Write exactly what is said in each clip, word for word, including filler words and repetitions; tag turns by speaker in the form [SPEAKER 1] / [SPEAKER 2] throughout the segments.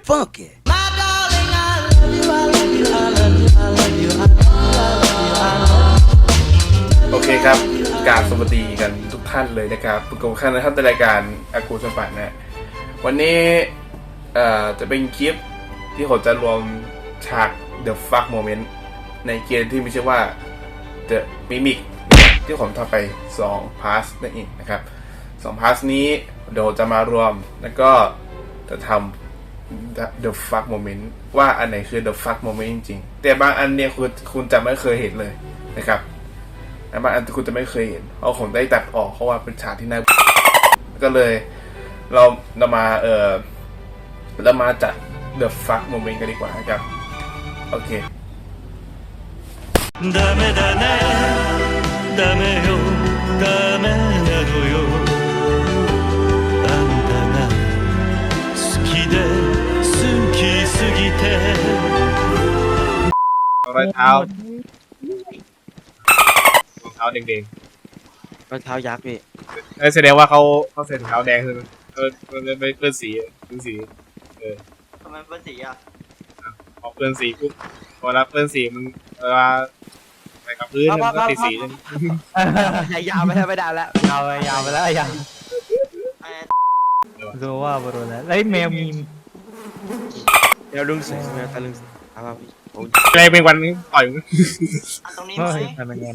[SPEAKER 1] funky.
[SPEAKER 2] โอเคครับกราบสวัสดีกันทุกท่านเลยนะครับพบกับท่านนะครับในรายการอากูสปันนะวันนี้เอ่อจะเป็นคลิปที่ผมจะรวมฉาก The Fuck Moment ในเกมที่มีชื่อว่า The Mimic ที่ผมทำไปสองพาร์ทนั่นเองนะครับสองพาร์ทนี้เดี๋ยวจะมารวมแล้วก็จะทำ The Fuck Moment ว่าอันไหนคือ The Fuck Moment จริงๆแต่บางอันเนี่ยคุณคุณจะไม่เคยเห็นเลยนะครับแต่บางอันคุณจะไม่เคยเห็นเพราะผมได้ตัดออกเพราะว่าเป็นฉากที่น่าก็เลยเราเรามาเออเรามาจัด The Fuck Moment กันดีกว่านะครับโอเค
[SPEAKER 3] ダメだねダメよダメなのよあんたが好きで好きすぎて
[SPEAKER 2] รอยเท้ารองเท้าแดง
[SPEAKER 4] รองเท้ายักษ์พี่
[SPEAKER 2] ๆเออแสดงว่าเขาเขาใส่รองเท้าแดงคือเออมันไม่เปื้อนสีเปื้อนสีเออ
[SPEAKER 4] ทำไมเป็นสีอ่ะ
[SPEAKER 2] พอเปื้อนสีปุ๊บพอรับเปื้อนสีมันเวลาไปกับพื้นมันก็ติดสีเลย
[SPEAKER 4] ยาวไปแล้วไม่ได้แล้ว
[SPEAKER 5] ยาวไปยาวไปแล้วยังรู้ว่าบรูแล้วไอ้แมวมีม
[SPEAKER 4] เดี๋ยวลุงสิแมวตาลุงสิเอามาพี่โอ้ย
[SPEAKER 2] อะไรเป็นวันนี้ต่อยมึง
[SPEAKER 4] ตรงนี้
[SPEAKER 5] เฮ้
[SPEAKER 4] ไหม
[SPEAKER 5] ยทำไมเงิน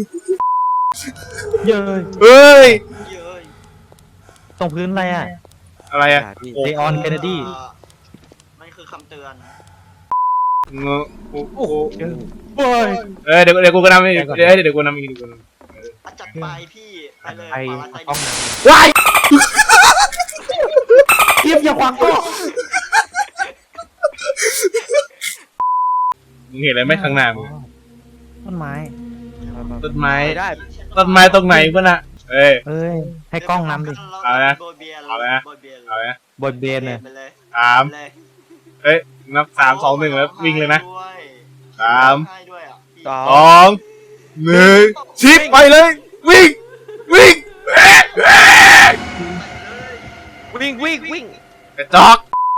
[SPEAKER 5] เย้ย
[SPEAKER 2] เฮ้ย
[SPEAKER 4] เยอะ
[SPEAKER 5] ตรงพื้นอะไรอ่ะ
[SPEAKER 2] อะไรอะ
[SPEAKER 4] พี่
[SPEAKER 5] เลออนเคนเนดี
[SPEAKER 4] มันคือคำเตือน
[SPEAKER 2] งอโอ้โห
[SPEAKER 5] โอ้ย
[SPEAKER 2] เออเดี๋ยวเดี๋ยวกูก็นำอีกเดี๋ยวเดี๋ยวกูนำอีกเดี๋ยวกูนำ
[SPEAKER 4] จัดไปพี่ไปเลย
[SPEAKER 5] ไอ้
[SPEAKER 4] ปาราไซ
[SPEAKER 5] ต้อง
[SPEAKER 2] ว้าย
[SPEAKER 5] เทียบอย่าขวางก็
[SPEAKER 2] มึงเห็นอะไรไหมข้างหน้ามึง
[SPEAKER 5] ต้นไม้
[SPEAKER 2] ต้นไม้
[SPEAKER 4] ได้
[SPEAKER 2] ต้นไม้ตรงไหนเพื่อนอะเอ้ย
[SPEAKER 5] เอ้ยให้กล้องนำดิ
[SPEAKER 2] เอาละ
[SPEAKER 4] โบยเบียร์
[SPEAKER 2] เอาละ
[SPEAKER 4] โบยเบียร์
[SPEAKER 2] เอาไหม
[SPEAKER 5] บทเบนเลย
[SPEAKER 4] ไปเลย
[SPEAKER 2] สาม
[SPEAKER 4] เลย
[SPEAKER 2] เอ้ยนับสามสองหนึ่งแล้ววิ่งเลยนะสาม
[SPEAKER 4] ให้ด้วยอ่ะ
[SPEAKER 2] สองหนึ่งชิปไปเลยวิ่งวิ่ง
[SPEAKER 4] วิ่งวิ่งวิ่ง
[SPEAKER 2] กระจอก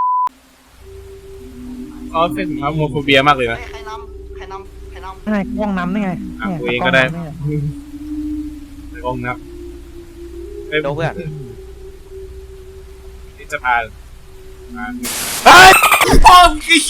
[SPEAKER 2] เขาเป็นครับโมโฟเบียมากเลยนะ
[SPEAKER 4] ใครนำใครนำใครนำ
[SPEAKER 5] ให้กล้องนำได้ไง
[SPEAKER 2] อ่ะ
[SPEAKER 5] เนี่ย
[SPEAKER 2] กูเองก็ได้
[SPEAKER 5] ล้นำเนี่ย
[SPEAKER 2] กล้องนับเฮ้ย
[SPEAKER 4] โดเพื่อน
[SPEAKER 2] นี่จะพามาเฮ้ยพ่อมึงขี้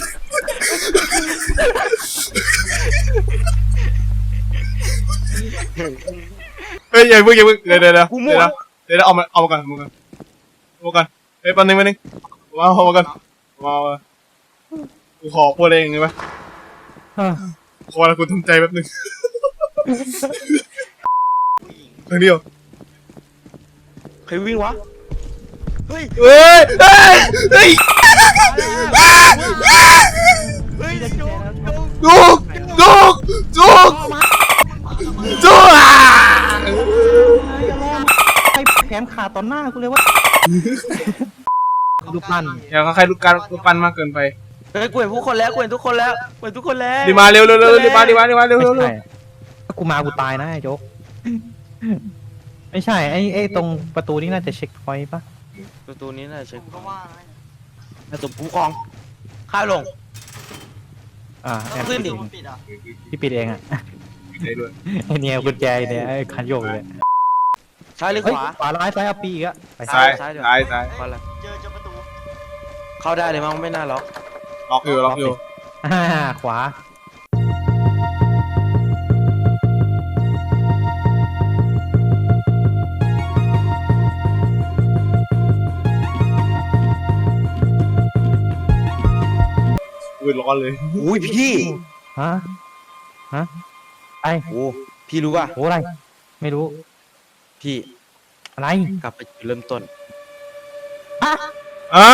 [SPEAKER 2] เฮ้ยอย่าเพิ่งอย่าเพิ่งเดี๋ยวเดี๋ยวเดี๋ยวเดี๋ยวเดี๋ยวเอามาเอามาก่อนเอามาก่อนเอามาก่อนเฮ้ยแป๊บนึงแป๊บนึงมาเอามาก่อนมามากูขอพูดเองได้ไหม
[SPEAKER 5] เออ
[SPEAKER 2] ขอแล้วกูทำใจแป๊บนึงครั้งเดียว
[SPEAKER 4] ใครวิ่งวะเฮ้ย
[SPEAKER 2] เฮ้ยเฮ้ยเฮ้ย
[SPEAKER 4] เฮ้ยจุกจุก
[SPEAKER 2] จุกจุกจุกจุกอ่ะ
[SPEAKER 5] ให้แขนขาดต่อหน้ากูเลยว่ารูปปั้น
[SPEAKER 2] อย่าเขาใครลูกการลูกปั้นมากเกินไป
[SPEAKER 4] เฮ้ยกูเห็นผู้คนแล้วกูเห็นทุกคนแล้วกูเห็นทุกคนแล้ว
[SPEAKER 2] รีบมาเร็วเร็วเร็วรีบมารีบมารีบมาเร็ว
[SPEAKER 5] ไม่
[SPEAKER 2] เร็วเร็ว
[SPEAKER 5] ใช่ถ้ากูมากูตายนะไอ้โจ๊กไม่ใช่ไอ้ไอ้ตรงประตูนี่น่าจะเช็คพอยต์ปะ
[SPEAKER 4] ประตูนี้น่าจะเช็คก็ว่าน่าจะผู้กองข้าวลง
[SPEAKER 5] อ่าแอบ
[SPEAKER 4] ขึ้
[SPEAKER 5] ปิ
[SPEAKER 4] น
[SPEAKER 5] ด
[SPEAKER 4] ดิ
[SPEAKER 5] เอง
[SPEAKER 4] ปิดอ่ะ
[SPEAKER 5] ที่ปิดเองอ่ะ
[SPEAKER 2] ได้ด้วย
[SPEAKER 5] ไอ้เนี่ยกุญแจเนี่ยไอ้คันโยกเลย
[SPEAKER 4] ซ้ายหรือ
[SPEAKER 5] เฮ้ย
[SPEAKER 4] ขวา
[SPEAKER 5] ขวาร้ายซ้ายเอาปีอีกอะไป
[SPEAKER 2] ซ้าย
[SPEAKER 4] ซ้ายเดี๋ยว
[SPEAKER 2] ซ้ายซ้าย
[SPEAKER 4] ขวาละเจอเจอประตูเข้าได้เลยมั้งไม่น่าล็อก
[SPEAKER 2] ล็อกอยู่ล็อกอยู่
[SPEAKER 5] อ่าขวา
[SPEAKER 2] อุ้ยร้อนเลย
[SPEAKER 4] อุ้ยพี่
[SPEAKER 5] ฮะฮะไอ
[SPEAKER 4] โอ้พี่รู้ป่ะ
[SPEAKER 5] โหอะไร ไม่รู้
[SPEAKER 4] พี่
[SPEAKER 5] อะไร
[SPEAKER 4] กลับไปจุดเริ่มต้น
[SPEAKER 2] อ่ะ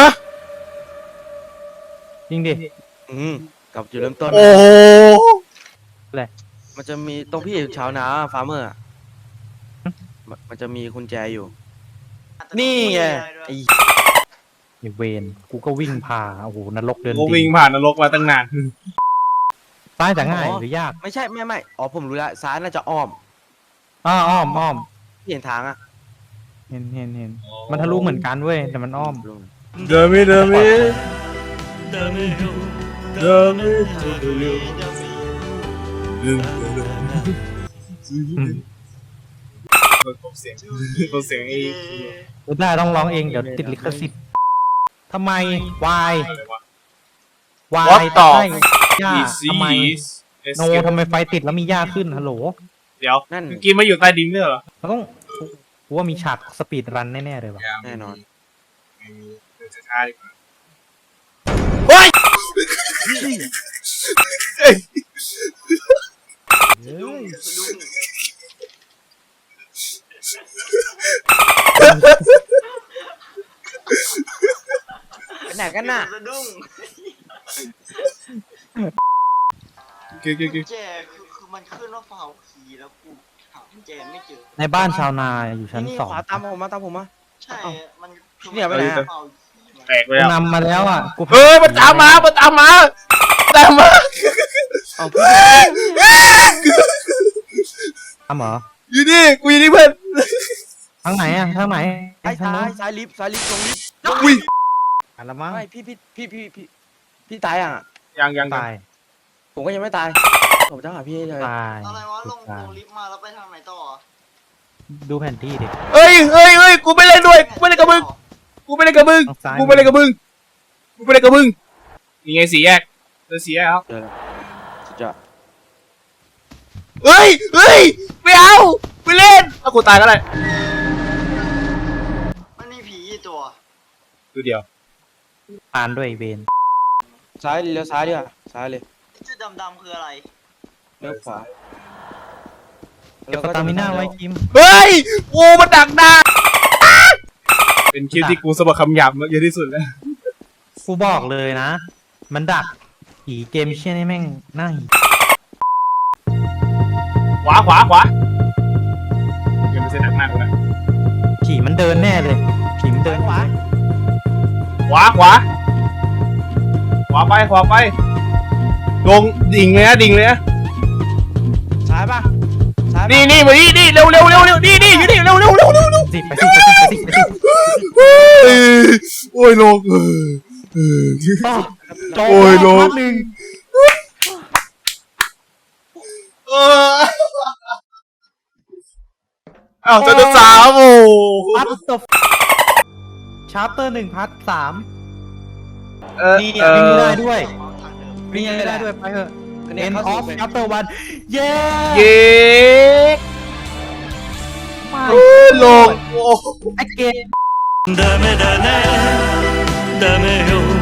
[SPEAKER 5] จริงดิ
[SPEAKER 4] อืมกลับจุดเริ่มต้น
[SPEAKER 2] โอ้
[SPEAKER 5] อะไร
[SPEAKER 4] มันจะมีตรงพี่ชาวนาฟาร์มเมอร์มันจะมีกุญแจอยู่ นี่ไงไอ้
[SPEAKER 5] ไอ้เวนกูก็วิ่งผ่าโอ้โหนรกเดิน
[SPEAKER 2] กู
[SPEAKER 5] ดิ
[SPEAKER 2] วิ่งผ่านนรกมาตั้งนาน
[SPEAKER 5] ซ้ายจะง่ายหรือยาก
[SPEAKER 4] ไม่ใช่ไม่ไม่อ๋อผมรู้แล้วซ้ายน่าจะอ้อม
[SPEAKER 5] อ้ออ้อมอ้อม
[SPEAKER 4] พี่เห็นทางอ่ะ
[SPEAKER 5] เห็นเห็นเห็นมันทะลุเหมือนกันเว้ยแต่มันอ้อม
[SPEAKER 2] เดินไม่เดินไม่
[SPEAKER 3] ダメよダメなのよ
[SPEAKER 2] ผมเสียงผมเสียงไอ้
[SPEAKER 5] ไม่ได้ต้องร้องเองเดี๋ยวติดลิขสิทธิ์ทำไมวายวาย
[SPEAKER 2] What ต่อ
[SPEAKER 5] ใช่ย่า
[SPEAKER 2] This
[SPEAKER 5] ทำไม
[SPEAKER 2] is
[SPEAKER 5] โนทำไมไฟติดแล้วมีย่าขึ้นฮัลโหล
[SPEAKER 2] เดี๋ยว
[SPEAKER 4] นั่น
[SPEAKER 2] เมื่อกี้มาอยู่ใต้ดินด้วยเหรอ
[SPEAKER 5] เราต้องกูว่ามีฉากสปีดรันแน่ๆเลยว่ะ
[SPEAKER 4] แน่นอน
[SPEAKER 2] ไม่มีเดี๋ยวจะช้าดีกว่าเฮ้ย
[SPEAKER 5] เฮ้ย
[SPEAKER 4] ไปไหนกันน่ะ
[SPEAKER 1] สะดุ้ง
[SPEAKER 2] เก๋เก๋เก๋
[SPEAKER 1] แจคือคือมันขึ้นว่าฟาวคีย์แล้วกูหากุญแจไม่เจอ
[SPEAKER 5] ในบ้านชาวนาอยู่ชั้น
[SPEAKER 4] นี่
[SPEAKER 5] สอง
[SPEAKER 4] ขวาตามผมมาตามผมมา
[SPEAKER 1] ใช่
[SPEAKER 4] เอ้า
[SPEAKER 1] มันคือ
[SPEAKER 4] เนี่ยไปไหนอะ
[SPEAKER 1] ฟาวคีย์
[SPEAKER 2] แตกไป
[SPEAKER 5] กู
[SPEAKER 2] แล้ว
[SPEAKER 5] นำมาแล้วอ่ะกู
[SPEAKER 2] เฮ้ยมันตามมามันตามมาตามมา
[SPEAKER 4] เอาพี่
[SPEAKER 5] ทำเหรอ
[SPEAKER 2] อยู่นี่กูอยู่นี่เพื่อน
[SPEAKER 5] ทางไหนอ่ะทางไหน
[SPEAKER 4] ซ้าย
[SPEAKER 5] ทาง
[SPEAKER 4] ซ้า
[SPEAKER 5] นู้
[SPEAKER 4] ย
[SPEAKER 5] น
[SPEAKER 4] ซ้ายลิฟต์ซ้ายลิฟต์ลงลิฟต์
[SPEAKER 2] อุ้ย
[SPEAKER 5] อ่ะละมั้ง
[SPEAKER 4] ไม่พี่พี่พี่พี่พี่พี่ตายอ่ะ
[SPEAKER 2] ยังยัง
[SPEAKER 5] ตาย
[SPEAKER 4] ผมก็ยังไม่ตาย ผมจะหาพี่ให้เลย
[SPEAKER 5] ตาย
[SPEAKER 1] อะไรวะลง
[SPEAKER 5] ตาย
[SPEAKER 1] ลงลิฟต์มาแล้วไปทางไหนต่อ
[SPEAKER 5] ดูแผนที่ดิ
[SPEAKER 2] เฮ้ยเฮ้ยเฮ้ยกูไม่เล่นด้วยกูไม่เล่นกับมึงกูไม่เล่นกับมึง
[SPEAKER 5] ทางซ้าย
[SPEAKER 2] กูไม่เล่นกับมึงกูไม่เล่นกับมึงนี่ไงสี่แยกเจอสี่แยกครับ
[SPEAKER 4] เจอแล้วสุดยอด
[SPEAKER 2] เฮ้ยเฮ้ยไม่เอาไม่เล่นเอากูตายก็ได้
[SPEAKER 1] มันมีผีกี่ตัว
[SPEAKER 2] ตัวเดียว
[SPEAKER 5] ผ่านด้วยไอ้เวน
[SPEAKER 4] ซ้ายเลี้ยวซ้ายดีกว่าซ้ายเลย
[SPEAKER 1] ไอ้จุดดำๆคืออะไร
[SPEAKER 4] เลี้ยวขวา
[SPEAKER 5] เก็บสตามิน่าไว้คิม
[SPEAKER 2] เฮ้ยกูมันดักหน้าเป็นคลิปที่กูสะบัดคำหยาบเยอะที่สุดแล้ว
[SPEAKER 5] กูบอกเลยนะ มันดักผีเกมเชี่ยนี่แม่งน่าหิ
[SPEAKER 2] ขวาขวาขวาเดี๋ยวมันจะดักหน้ากูนะ
[SPEAKER 5] ผีมันเดินแน่เลยผีมันเดินขวา
[SPEAKER 2] ขวาขวาขวาไปขวาไปลงดิ่งเลยนะดิ่งเลยนะ
[SPEAKER 4] ซ้ายป่ะซ้ายปะ
[SPEAKER 2] นี่นี่มานี่นี่เร็วเร็วเร็วเร็วนี่นี่อยู่นี่เร็วเร็วเร็วเร็วเร็ว
[SPEAKER 5] สิไปสิไปสิไปสิไปสิ
[SPEAKER 2] เอ้ยโอ้ยลงเออเออ
[SPEAKER 5] จ
[SPEAKER 2] โอ้ยโล
[SPEAKER 5] พาร์ทหนึ่ง
[SPEAKER 2] เอออ้าวเจะสามโอ้
[SPEAKER 5] พาร์ทตบชาร์เตอร์หนึ่งพาร์ทสาม
[SPEAKER 2] เออ
[SPEAKER 5] นี่
[SPEAKER 2] เอ
[SPEAKER 5] วิ่งไม่
[SPEAKER 2] อ
[SPEAKER 5] ได้ด้วย
[SPEAKER 1] ทางเดิม
[SPEAKER 5] วิ่งไม่ได้ด้วยไปเถอะ
[SPEAKER 4] อันนี้
[SPEAKER 5] End
[SPEAKER 4] เข้า
[SPEAKER 5] of
[SPEAKER 4] สู่
[SPEAKER 5] chapter one เย้
[SPEAKER 2] เย้
[SPEAKER 5] ไม่
[SPEAKER 2] โอ้ยลงโอ้
[SPEAKER 5] ไอเกม
[SPEAKER 3] ダメだねダメよ